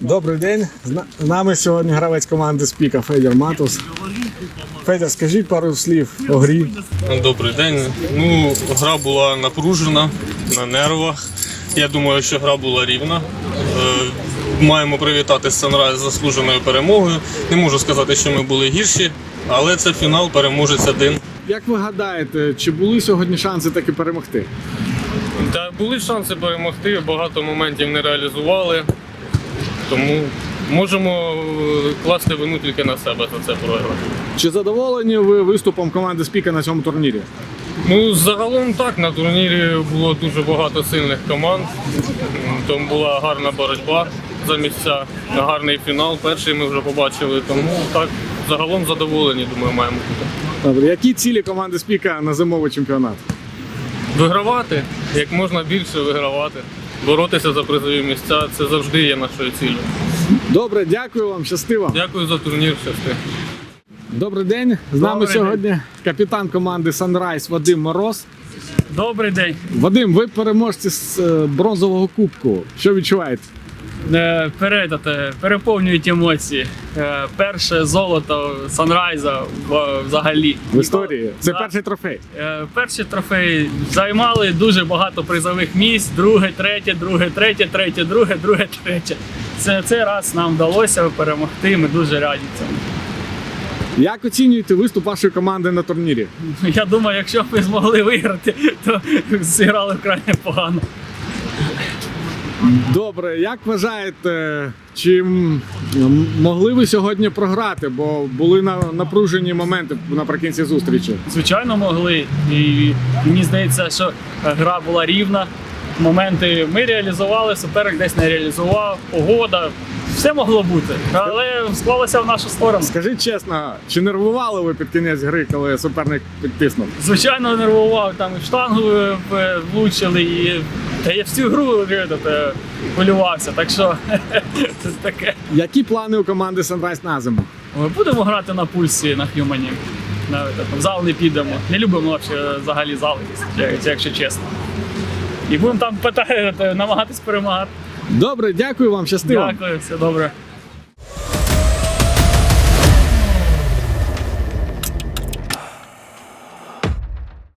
Добрий день. З нами сьогодні гравець команди Спіка Федір Матус. Федір, скажіть пару слів о грі. Добрий день. Гра була напружена, на нервах. Я думаю, що гра була рівна. Маємо привітати Sunrise з заслуженою перемогою. Не можу сказати, що ми були гірші, але це фінал, переможець один. Як ви гадаєте, чи були сьогодні шанси таки перемогти? Та були шанси перемогти, багато моментів не реалізували. Тому можемо класти вину тільки на себе за це програш. Чи задоволені ви виступом команди Спіка на цьому турнірі? Загалом так, на турнірі було дуже багато сильних команд. Тому була гарна боротьба за місця, гарний фінал. Перший ми вже побачили, тому так, загалом задоволені, думаю, маємо бути. Добре. Які цілі команди Спіка на зимовий чемпіонат? Вигравати, як можна більше вигравати. Боротися за призові місця – це завжди є нашою ціллю. Добре, дякую вам, щастиво. Дякую за турнір, щасти. Добрий день. З нами сьогодні капітан команди Sunrise Вадим Мороз. Добрий день. Вадим, ви переможці з бронзового кубку. Що відчуваєте? Переповнюють емоції. Перше золото Санрайза взагалі. В історії. Це Да. перший трофей. Перші трофеї займали дуже багато призових місць. Друге, третє, друге, третє, третє, друге, друге, третє. Цей раз нам вдалося перемогти, ми дуже раді цьому. Як оцінюєте виступ вашої команди на турнірі? Я думаю, якщо б ми змогли виграти, то зіграли вкрай непогано. Добре, як вважаєте, чи могли ви сьогодні програти, бо були напружені моменти наприкінці зустрічі? Звичайно, могли. І мені здається, що гра була рівна. Моменти ми реалізували, суперник десь не реалізував, погода. Все могло бути, але склалося в нашу сторону. Скажіть чесно, чи нервували ви під кінець гри, коли суперник підтиснув? Звичайно, нервував, там і в штангу влучили, і я всю гру хвилювався, так що це таке. Які плани у команди Sunrise на зиму? Ми будемо грати на пульсі, на Х'юмані. В зал не підемо. Не любимо взагалі зал, якщо чесно. І будемо там намагатись перемагати. Добре, дякую вам, щастиво. Дякую, все добре.